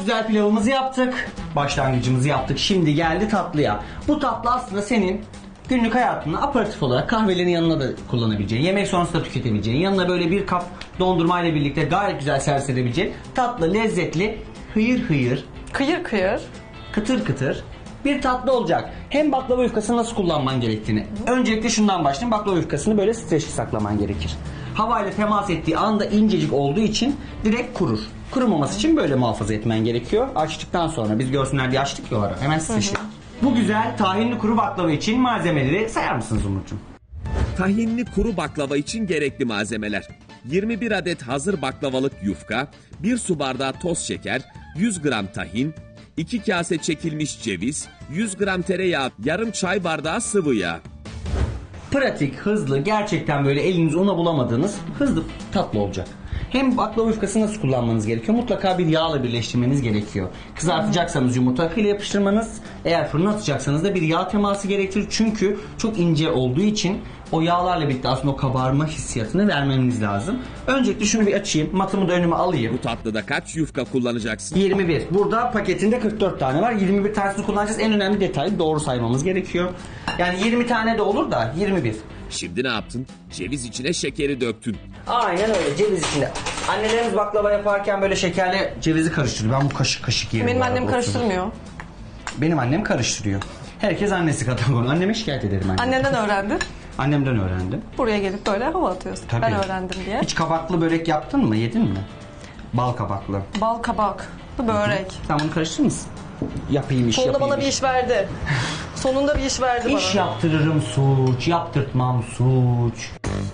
Güzel pilavımızı yaptık. Başlangıcımızı yaptık. Şimdi geldi tatlıya. Bu tatlı aslında senin günlük hayatında aperatif olarak kahvelerin yanına da kullanabileceğin, yemek sonrası da tüketebileceğin, yanına böyle bir kap dondurma ile birlikte gayet güzel servis edebileceğin tatlı, lezzetli, hıyır hıyır, Kıyır kıyır. kıtır kıtır bir tatlı olacak. Hem baklava yufkasını nasıl kullanman gerektiğini. Öncelikle şundan başlayayım. Baklava yufkasını böyle streçli saklaman gerekir. Havayla temas ettiği anda incecik olduğu için direkt kurur. Kurumaması için böyle muhafaza etmen gerekiyor. Açtıktan sonra biz görsünler diye açtık ya o ara. Hemen streçli. Bu güzel tahinli kuru baklava için malzemeleri sayar mısınız Umut'cum? Tahinli kuru baklava için gerekli malzemeler: 21 adet hazır baklavalık yufka, 1 su bardağı toz şeker, 100 gram tahin, 2 kase çekilmiş ceviz, 100 gram tereyağı, yarım çay bardağı sıvı yağ. Pratik, hızlı, gerçekten böyle eliniz una bulamadığınız hızlı tatlı olacak. Hem baklava yufkasını nasıl kullanmanız gerekiyor? Mutlaka bir yağla birleştirmeniz gerekiyor. Kızartacaksanız yumurta akıyla yapıştırmanız, eğer fırına atacaksanız da bir yağ teması gerektirir. Çünkü çok ince olduğu için o yağlarla birlikte aslında o kabarma hissiyatını vermeniz lazım. Öncelikle şunu bir açayım. Matımı da önüme alayım. Bu tatlıda kaç yufka kullanacaksın? 21. Burada paketinde 44 tane var. 21 tanesini kullanacağız. En önemli detay doğru saymamız gerekiyor. Yani 20 tane de olur da 21. Şimdi ne yaptın? Ceviz içine şekeri döktün. Aynen öyle, ceviz içinde. Annelerimiz baklava yaparken böyle şekerle cevizi karıştırıyor. Ben bu kaşık kaşık yerim. Benim bu annem arada, karıştırmıyor. Benim annem karıştırıyor. Herkes annesi kadar bunu. Anneme şikayet ederim annem. Annenden öğrendim. Annemden öğrendim. Buraya gelip böyle hava atıyorsun. Tabii. Ben öğrendim diye. Hiç kabaklı börek yaptın mı? Yedin mi? Bal kabaklı. Bal kabak, börek. Sen bunu karıştırır mısın? Yapayım iş, Sonunda yapayım bana bir iş verdi. Sonunda bir iş verdi bana. İş yaptırırım suç, yaptırtmam suç.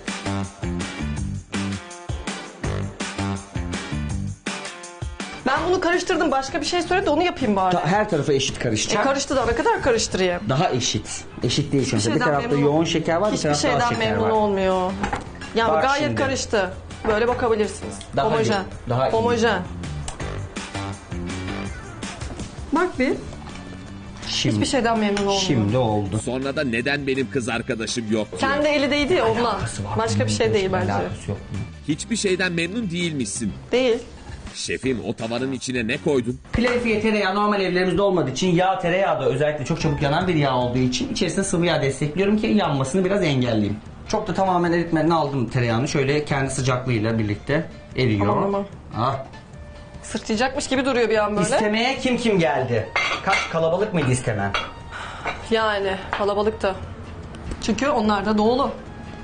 Ben bunu karıştırdım. Başka bir şey söyledi, onu yapayım bari. Her tarafa eşit karışacak. Karıştı da ne kadar karıştırayım? Daha eşit. Eşit değil çünkü. Bir şeyden tarafta memnun- yoğun şeker var, bir Hiçbir tarafta az şeyden şeker memnun var. olmuyor. Yani Bak gayet şimdi. karıştı. Böyle bakabilirsiniz. Daha Homojen. iyi, daha iyi. Homojen. Bak bir. Şimdi, Hiçbir şeyden memnun olmuyor. Şimdi oldu. Sonra da neden benim kız arkadaşım yok diyor. Kendi eli değdi ya ondan. Başka bir şey değil bence. Alakası yok. Hiçbir şeyden memnun değilmişsin. Değil. Şefim, o tavanın içine ne koydun? Klarifiye tereyağı normal evlerimizde olmadığı için yağ tereyağı da özellikle çok çabuk yanan bir yağ olduğu için içerisine sıvı yağ destekliyorum ki yanmasını biraz engelleyeyim. Çok da tamamen eritmeden aldım tereyağını. Şöyle kendi sıcaklığıyla birlikte eriyor. Aman. Ah. Sırtlayacakmış gibi duruyor bir an böyle. İstemeye kim geldi? Kalabalık mıydı istemen? Yani kalabalıktı. Çünkü onlar da doğulu.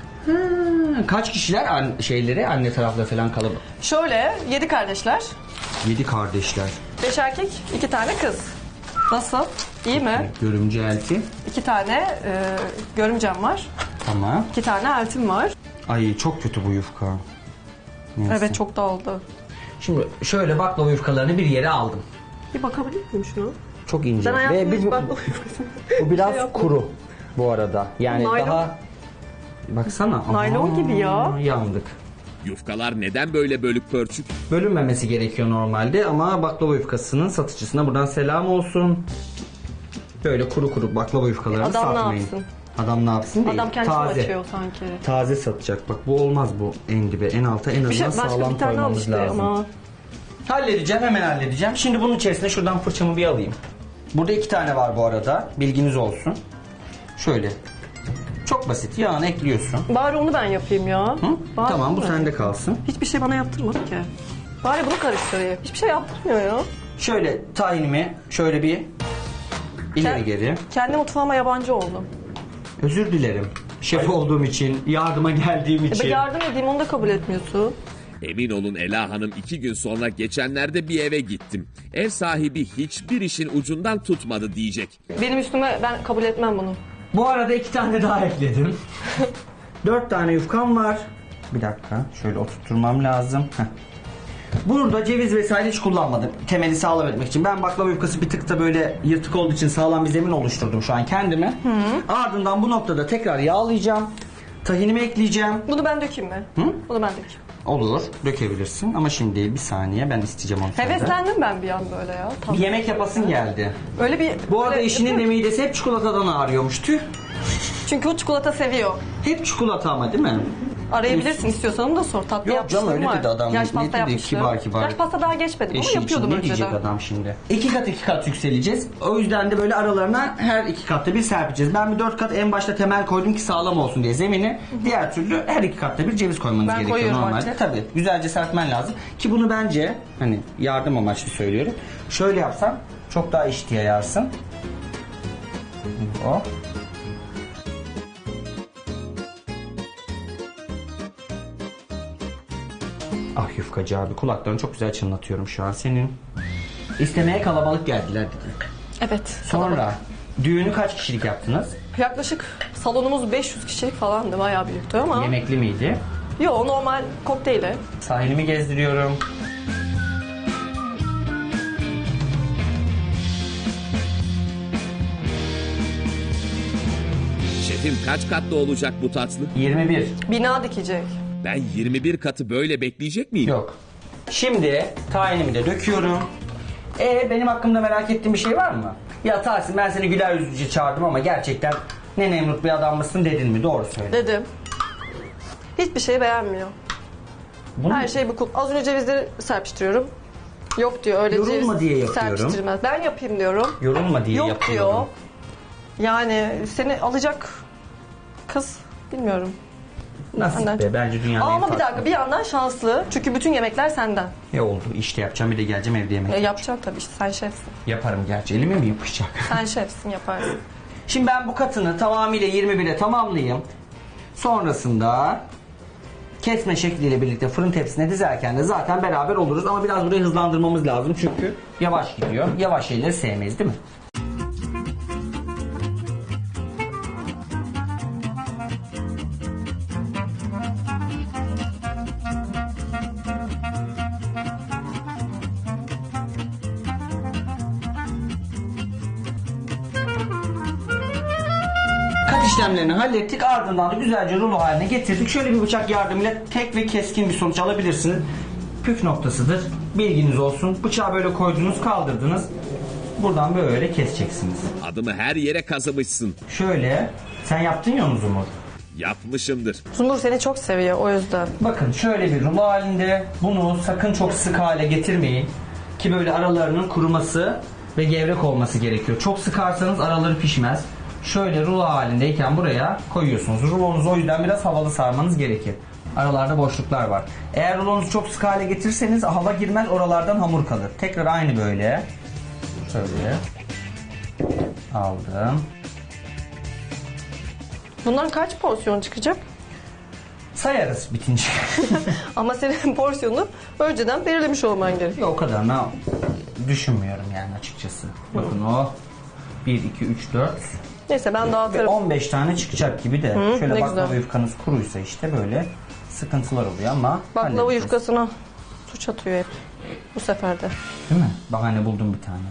Kaç kişiler anne tarafta falan kalabalık? Şöyle 7 kardeşler. 7 kardeşler. 5 erkek, 2 tane kız. Nasıl? İyi mi? Görümce elti. 2 tane görümcem var. Tamam. 2 tane eltim var. Ay çok kötü bu yufka. Neyse. Evet, çok da oldu. Şimdi şöyle baklava yufkalarını bir yere aldım. Bir bakabilir miyim şuna? Çok ince. Ben hayatımda Ve hiç bu baklava bu biraz şey yapmadım. kuru bu arada. Yani Naylon. daha baksana. Naylon gibi ya. Yandık. Yufkalar neden böyle bölük pörçük? Bölünmemesi gerekiyor normalde ama baklava yufkasının satıcısına buradan selam olsun. Böyle kuru kuru baklava yufkalarını Adam ne satmayın. yapsın? Adam ne yapsın değil. Adam kendisi Taze. açıyor sanki. Taze satacak. Bak bu olmaz bu en dibe. En alta en Bir şey, azından başka sağlam bir tane al koymamız işte lazım. ama. Halledeceğim, hemen halledeceğim. Şimdi bunun içerisine şuradan fırçamı bir alayım. Burada 2 tane var bu arada. Bilginiz olsun. Şöyle. Çok basit. Yağını ekliyorsun. Bari onu ben yapayım ya. Hı? Bari Tamam, onu bu ben. sende kalsın. Hiçbir şey bana yaptırmadı ki. Bari bunu karıştırayım. Hiçbir şey yaptırmıyor ya. Şöyle tahinimi şöyle bir ileri geri. Kendi mutfağıma yabancı oldum. Özür dilerim. Şef olduğum için, yardıma geldiğim Ben için. yardım edeyim, onu da kabul etmiyorsun. Emin olun Ela Hanım, 2 gün sonra geçenlerde bir eve gittim. Ev sahibi hiçbir işin ucundan tutmadı diyecek. Benim üstüme ben kabul etmem bunu. Bu arada 2 tane daha ekledim. 4 tane yufkam var. Bir dakika. Şöyle oturtturmam lazım. Heh. Burada ceviz vesaire hiç kullanmadım. Temeli sağlam etmek için. Ben baklava yufkası bir tık da böyle yırtık olduğu için sağlam bir zemin oluşturdum şu an kendime. Ardından bu noktada tekrar yağlayacağım. Tahinimi ekleyeceğim. Bunu ben dökeyim mi? Hı? Bunu ben dökeyim. Olur. Dökebilirsin. Ama şimdi bir saniye ben isteyeceğim onu senden. Heveslendim ben bir an böyle ya. Bir Tamam. yemek yapasın geldi. Öyle bir... Bu arada böyle eşinin de yapıyorum. midesi hep çikolatadan ağrıyormuş. Tüh. Çünkü o çikolata seviyor. Hep çikolata ama değil mi? Arayabilirsin istiyorsan, onu da sor. Tatlı Yok canım, yapmışlığım öyle var. dedi adam. Yaş Ne pasta dedi? yapmıştım. Kibar kibar. Yaş pasta daha geçmedim ama Eşi için yapıyordum ne diyecek önceden. adam şimdi? 2 kat yükseleceğiz. O yüzden de böyle aralarına her 2 katta bir serpeceğiz. Ben bir 4 kat en başta temel koydum ki sağlam olsun diye zemini. Diğer türlü her 2 katta bir ceviz koymanız Ben gerekiyor koyuyorum normalde. artık. Tabii güzelce serpmen lazım. Ki bunu bence hani yardım amaçlı söylüyorum. Şöyle yapsam çok daha eşit yayarsın. O. Ah yufkacı abi, kulaklarını çok güzel çınlatıyorum şu an senin. İstemeye kalabalık geldiler dedi. Evet. Sonra düğünü kaç kişilik yaptınız? Yaklaşık salonumuz 500 kişilik falandı. Bayağı büyüktü ama. Yemekli miydi? Yo, normal kokteyli. Sahilimi gezdiriyorum. Şefim kaç katlı olacak bu tatlı? 21. Bina dikecek. Ben 21 katı böyle bekleyecek miyim? Yok. Şimdi tahinimi de döküyorum. Benim hakkımda merak ettiğin bir şey var mı? Ya Tahsin, ben seni güler yüzlüce çağırdım ama gerçekten ne Nemrut bir adam mısın dedin mi? Doğru söyle. Dedim. Hiçbir şey beğenmiyor. Bunu Her şey bu kulp. Az önce cevizleri serpiştiriyorum. Yok diyor, öyle Yorulma ceviz diye yapıyorum. serpiştirilmez. Ben yapayım diyorum. yorulma diye Yok yapıyorum. diyor. Yani seni alacak kız bilmiyorum. Nasip Benden be, çok- bence dünyanın en Ama bir farklı. dakika, bir yandan şanslı. Çünkü bütün yemekler senden. Oldu, işte yapacağım, bir de geleceğim evde yemek. Yapacak tabii, işte sen şefsin. Yaparım gerçi, elime mi yapışacak? Sen şefsin, yaparsın. Şimdi ben bu katını tamamıyla 21'e tamamlayayım. Sonrasında kesme şekliyle birlikte fırın tepsisine dizerken de zaten beraber oluruz. Ama biraz burayı hızlandırmamız lazım çünkü yavaş gidiyor. Yavaş şeyleri sevmeyiz değil mi? Kat işlemlerini hallettik, ardından da güzelce rulo haline getirdik. Şöyle bir bıçak yardımıyla tek ve keskin bir sonuç alabilirsiniz. Püf noktasıdır. Bilginiz olsun. Bıçağı böyle koydunuz, kaldırdınız. Buradan böyle keseceksiniz. Adımı her yere kazımışsın. Şöyle, sen yaptın ya onu Zumur. Yapmışımdır. Zumur seni çok seviyor, o yüzden. Bakın şöyle bir rulo halinde, bunu sakın çok sık hale getirmeyin. Ki böyle aralarının kuruması ve gevrek olması gerekiyor. Çok sıkarsanız araları pişmez. Şöyle rulo halindeyken buraya koyuyorsunuz. Rulonuzu o yüzden biraz havalı sarmanız gerekir. Aralarda boşluklar var. Eğer rulonuzu çok sık hale getirirseniz hava girmez, oralardan hamur kalır. Tekrar aynı böyle. Şöyle. Aldım. Bundan kaç porsiyon çıkacak? Sayarız bitince. Ama senin porsiyonu önceden belirlemiş olman gerekiyor. O kadar düşünmüyorum yani açıkçası. Bakın o 1, 2, 3, 4 Neyse, ben ve dağıtırım. 15 tane çıkacak gibi de. Şöyle ne baklava güzel. yufkanız kuruysa işte böyle sıkıntılar oluyor ama Baklava halledeceğiz. yufkasına suç atıyor hep. Bu sefer de. Değil mi? Bahane buldum bir tane.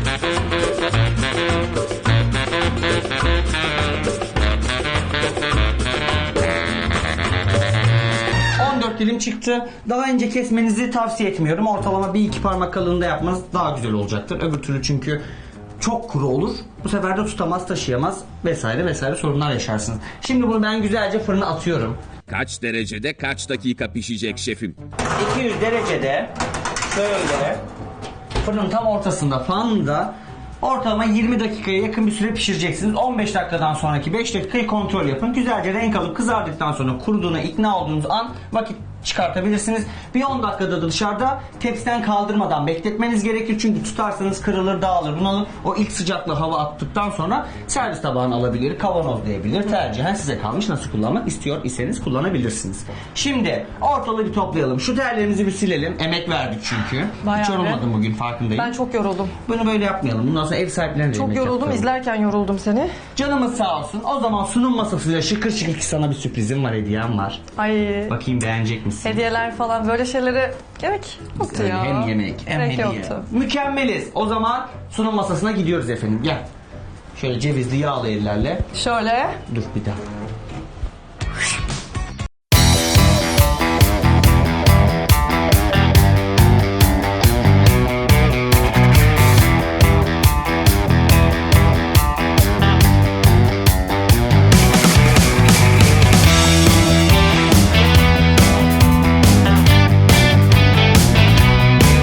dilim çıktı. Daha ince kesmenizi tavsiye etmiyorum. Ortalama 1-2 parmak kalınlığında yapmanız daha güzel olacaktır. Öbür türlü çünkü çok kuru olur. Bu sefer de tutamaz, taşıyamaz vesaire vesaire sorunlar yaşarsınız. Şimdi bunu ben güzelce fırına atıyorum. Kaç derecede kaç dakika pişecek şefim? 200 derecede şöyle fırının tam ortasında fanda ortalama 20 dakikaya yakın bir süre pişireceksiniz. 15 dakikadan sonraki 5 dakikayı kontrol yapın. Güzelce renk alıp kızardıktan sonra kuruduğuna ikna olduğunuz an vakit çıkartabilirsiniz. Bir 10 dakikada da dışarıda tepsiden kaldırmadan bekletmeniz gerekir. Çünkü tutarsanız kırılır, dağılır. Bunu o ilk sıcaklığı hava attıktan sonra servis tabağına alabilir, kavanozlayabilir. Tercihen size kalmış, nasıl kullanmak istiyor iseniz kullanabilirsiniz. Şimdi ortalığı bir toplayalım. Şu terlerimizi bir silelim. Emek verdik çünkü. Bayağı Hiç be. yorulmadım bugün, farkındayım. Ben çok yoruldum. Bunu böyle yapmayalım. Bundan sonra ev sahiplerine de Çok yemek yoruldum. yaptıralım. İzlerken yoruldum seni. Canımız sağ olsun. O zaman sunum masasıyla şıkır şıkır ki sana bir sürprizim var, hediyem var. Ay. Bakayım beğenecek misin? Hediyeler falan böyle şeylere gerek yoktu Yani ya. hem yemek hem Gerek hediye. yoktu. Mükemmeliz. O zaman sunum masasına gidiyoruz efendim. Gel. Şöyle cevizli yağlı ellerle. Şöyle. Dur bir dakika.